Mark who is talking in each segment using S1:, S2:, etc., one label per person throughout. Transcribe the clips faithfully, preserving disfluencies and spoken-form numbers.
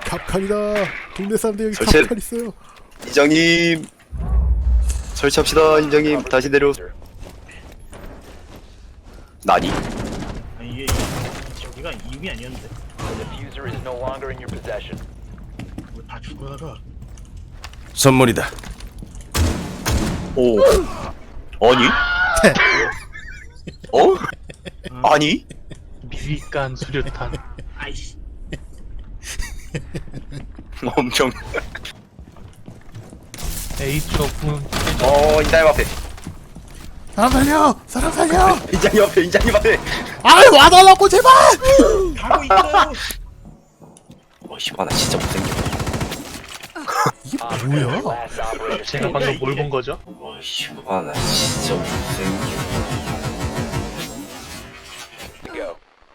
S1: 갑칸이다. 동네 사람들 여기
S2: 설치-
S1: 갑칸 있어요.
S2: 이장님 설치합시다. 이장님 다시 내려. 나니?
S3: 아니 이게 저기가 이육이 아니었는데
S4: The diffuser is no longer in your possession.
S3: 뭐 다 죽어나가.
S5: 선물이다.
S2: 오. 아니? 어? 아니?
S6: 미비간 수류탄.
S3: 아이씨.
S2: 엄청.
S6: A쪽은
S2: 어 이장님 앞에.
S1: 사람 살려! 사람 살려!
S2: 이장님 앞에. 이장님 앞에.
S1: 아이 와달라고 제발!
S3: 가고 있어요.
S2: 어 씨발 나 진짜 못생겨.
S1: 이게
S4: Op
S1: 뭐야?
S4: four, last operator
S6: 제가
S4: standing.
S6: 방금 뭘 본 거죠?
S2: 어 씨발 나 진짜 못생겨.
S4: Go.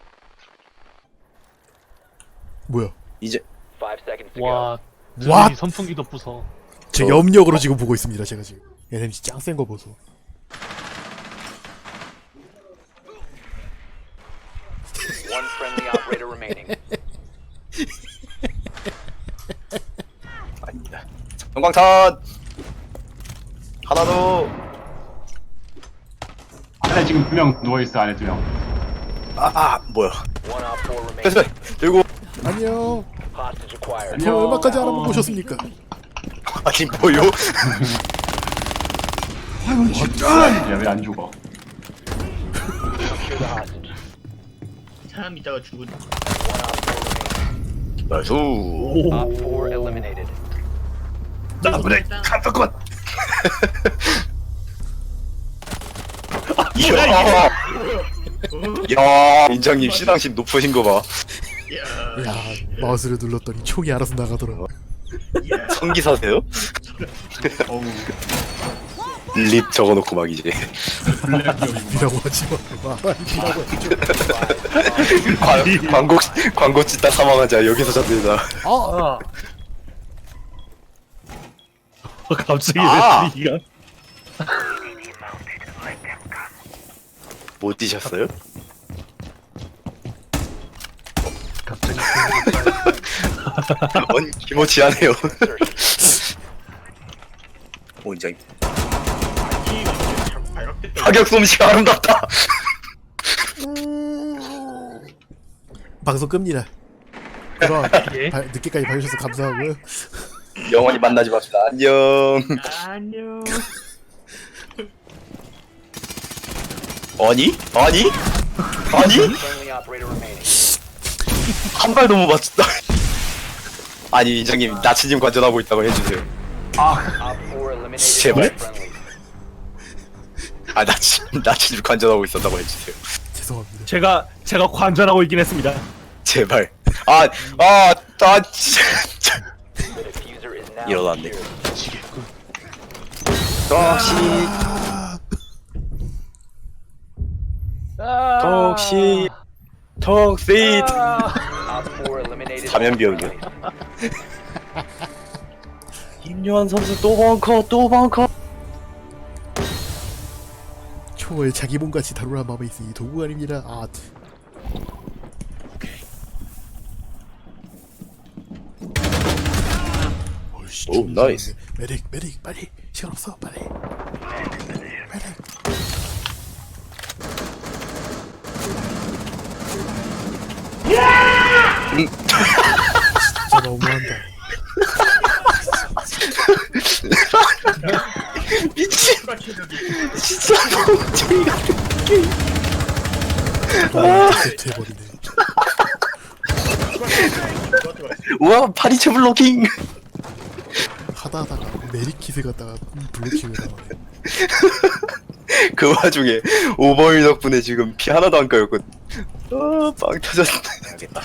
S1: 뭐야?
S2: 이제
S4: Five seconds to go.
S6: 와,
S1: 와!
S6: 눈이 선풍기도 부숴.
S1: 제
S2: 어.
S1: 염력으로 지금 보고 있습니다. 제가 지금. 에스엠씨 짱 센 거 보소.
S4: One friendly operator remaining.
S2: 아닙니다. 전광탄 하나 더.
S7: 안에 지금 두 명 누워있어. 안에 두명.
S2: 아, 아 뭐야?
S4: One op four
S2: 됐어.
S4: remaining.
S2: 들고.
S1: 안녕.
S4: Hostage acquired.
S1: 저 얼마까지 알아보셨습니까?
S2: 아니 뭐요?
S7: 야, 왜 안 죽어?
S4: Secure the hostage.
S3: 사람 있다가 죽은.
S4: One op four remaining.
S2: 나이스.
S4: Op four eliminated.
S2: 나 그래. 잠깐만. 이야. 야, 인장님 시상식 높으신 거 봐.
S3: 야.
S1: 야 마우스를 눌렀더니 총이 알아서 나가더라.
S3: 야.
S2: 성기사세요?
S7: 어우,
S2: 립 적어놓고 막 이제
S1: 이라고 하지 마. 이라고 하지 마.
S2: 광, 광고 광고 찍다 사망하자 여기서 잡는다.
S1: 아,
S6: 갑자기
S2: 아!
S6: 왜 이가?
S2: 못 뛰셨어요?
S6: 갑자기
S2: 언 기모치하네요. 오 인장님
S3: 키가 이제 자꾸 발각됐다.
S2: 타격 솜씨가 아름답다.
S1: 방송 끕니다. 그럼
S6: 예?
S1: 바, 늦게까지 봐주셔서 감사하고요.
S2: 영원히 만나지 맙시다. 안녕.
S3: 안녕.
S2: 아니? 아니? 아니?
S4: Friendly operator remaining.
S2: 한 발도 못 맞췄다. 아니 인장님 나치님 관전하고 있다고 해주세요.
S4: Op four eliminated.
S2: 제발.
S4: all friendly.
S2: 아 나치 나치님 관전하고 있었다고 해주세요.
S1: 죄송합니다.
S6: 제가 제가 관전하고 있긴 했습니다.
S2: 제발. 아아나 진짜.
S4: The diffuser is now
S2: 일어났네.
S4: secured.
S6: 미치겠군.
S2: 톡시 톡시 톡시트.
S4: Op four eliminated.
S2: 사면
S4: all
S2: 비용이요.
S4: friendly.
S2: 김요한 선수 또 벙커 또 벙커.
S1: 총을 자기 몸같이 다루라 마음에 있으니 도구가 아닙니다. 아, 어이씨,
S2: 오, 나이스.
S1: 메릭, 메릭, 빨리 시간 없어, 빨리. 메릭. 진짜 너무한다.
S2: 미친
S3: 추가 체력이.
S2: 진짜 멍청이 같은 게임.
S1: 아, 해버리네.
S2: 우와 파리채 블로킹.
S1: 하다 하다가 메리킷을 갖다가 블루킹을 당하네.
S2: 그 와중에 오버힐 덕분에 지금 피 하나도 안 까였거든. 아빵 터졌네. 알겠다.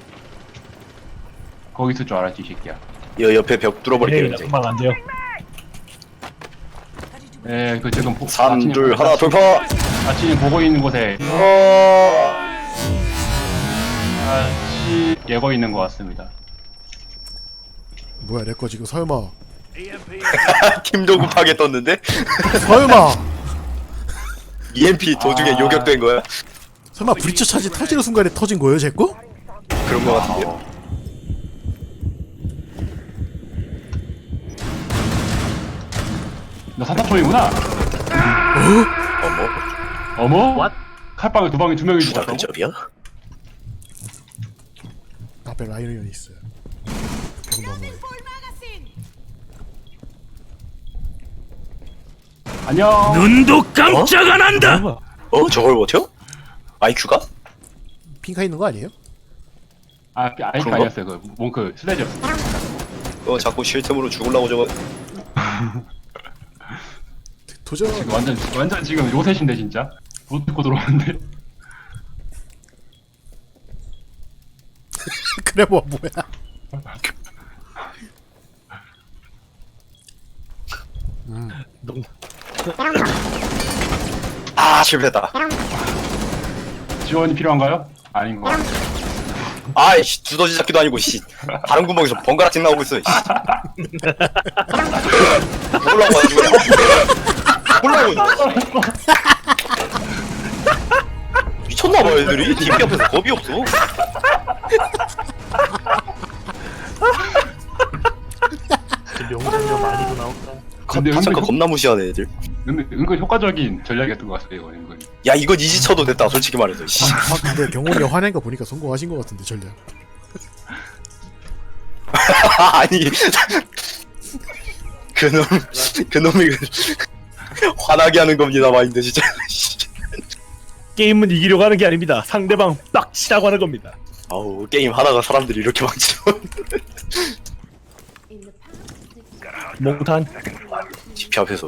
S7: 거기 있을 줄 알았지, 이 새끼야.
S2: 여 옆에 벽 뚫어버릴게요
S6: 네,
S2: 이제.
S6: 금방 안 돼요.
S7: 예, 그 지금 보,
S2: 삼,
S7: 아치님
S2: 둘,
S7: 보고-
S2: 하나 돌파.
S7: 아치님 보고 있는 곳에
S2: 어...
S7: 아치 예거 있는 것 같습니다.
S1: 뭐야 내 거 지금 설마
S2: 팀도 급하게 떴는데?
S1: 설마
S2: 이엠피 도중에
S7: 아.
S2: 요격된 거야?
S1: 설마 브리처 차지 터지는 순간에 터진 거예요 제 거?
S2: 그런 거 같은데요?
S7: 너 사사초이구나.
S2: 어머
S7: 어머?
S3: What?
S7: 칼빵을 두 방에 두 명이
S2: 주다
S7: 죽었다고?
S2: 근접이야?
S1: 앞에 라이언이 있어요. 벽 너머에.
S7: 안녕.
S5: 눈도 깜짝 안 한다.
S6: 뭐야?
S2: 어? 저걸 버텨? 아이큐가?
S1: 핑카 있는 거 아니에요?
S7: 아, 아이가
S2: 그런가?
S7: 아니었어요. 그 몽크 슬래지였어.
S2: 어 자꾸 쉴틈으로 죽으려고 저거
S1: 도전.
S7: 지금 완전 완전 지금 요새신데 진짜. 못 듣고 들어왔는데.
S1: 그래 뭐 뭐야?
S6: 농
S2: 아 실패했다
S7: 지원이 필요한가요? 아닌 거. 같아.
S2: 아이씨 두더지 잡기도 아니고 씨 다른 구멍에서 번갈아 찡 나오고 있어 씨 몰라고 아주 그냥 몰라고 미쳤나봐 애들이 디피 앞에서 겁이 없어
S3: 명장면 많이도 나온다.
S7: 근데
S2: 타창가
S7: 은근,
S2: 겁나 무시하네 애들
S7: 은근, 은근 효과적인 전략이었던 것 같아요. 이거 은근.
S2: 야 이건 이지 쳐도 됐다 솔직히 말해서 씨.
S1: 아 근데 경훈이 화낸 거 보니까 성공하신 거 같은데 전략.
S2: 아니 그놈 그놈이 화나게 하는 겁니다 마인드 진짜
S6: 게임은 이기려고 하는 게 아닙니다. 상대방 빡치라고 하는 겁니다.
S2: 아우 게임 하다가 사람들이 이렇게 망치죠
S6: 몽탄.
S2: 디피 앞에서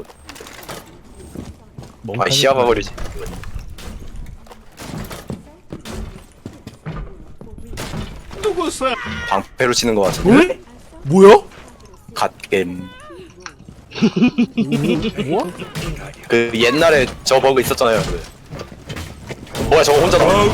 S6: 몽탄.
S2: 아 시야 봐버리지 방패로 치는 거 같은데
S1: 뭐야?
S2: 갓겜
S1: 뭐?
S2: 그 옛날에 저 버그 있었잖아요 그. 뭐야 저거 혼자 나와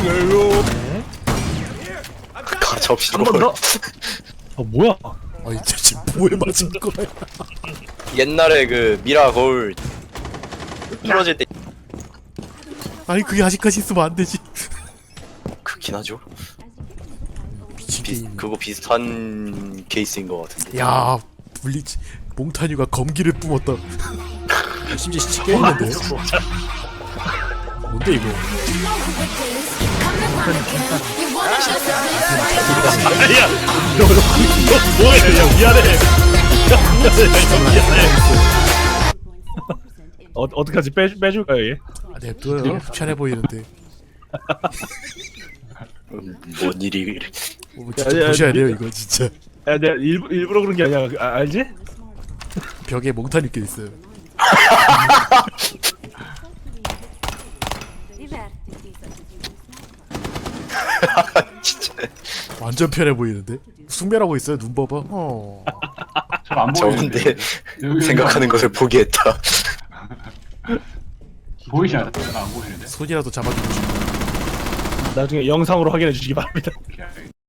S2: 가차없이
S6: 한 번 더. 어 뭐야?
S1: 아이 저 지금 뭐에 맞은 거야?
S2: 옛날에 그 미라 거울 부러질 때
S1: 아니 그게 아직까지 있으면 안 되지.
S2: 그긴 하죠
S1: 미친
S2: 비,
S1: 게임.
S2: 그거 비슷한 케이스인 것 같은데
S1: 야 블리치 몽타뉴가 검기를 뿜었다. 심지어 시체 깨있는데? 뭔데 이거?
S6: 야, 너, 너, 너 뭐해? 야, 미안해. 야, 미안해. 미안해. 어, 어떡하지? 빼, 빼줄까요, 얘?
S1: 아, 냅둬요. 편해 보이는데.
S2: 음, 뭔 일이
S1: 어, 진짜
S6: 야, 야,
S1: 보셔야 돼요
S6: 미-
S1: 이거 진짜.
S6: 야, 내가 일부, 일부러 그런 게 아니야. 아, 알지?
S1: 벽에 몽타뉴 껴 있어요.
S2: 진짜
S1: 완전 편해 보이는데? 숙면하고 있어요. 눈 봐봐. 어.
S7: 잘안 보이는데.
S2: 저건데
S7: 여기
S2: 생각하는 것을 포기했다
S7: 보이지 않아? 안 보이는데.
S1: 손이라도 잡아주고 싶어.
S6: 나중에 영상으로 확인해 주시기 바랍니다.
S7: 오케이.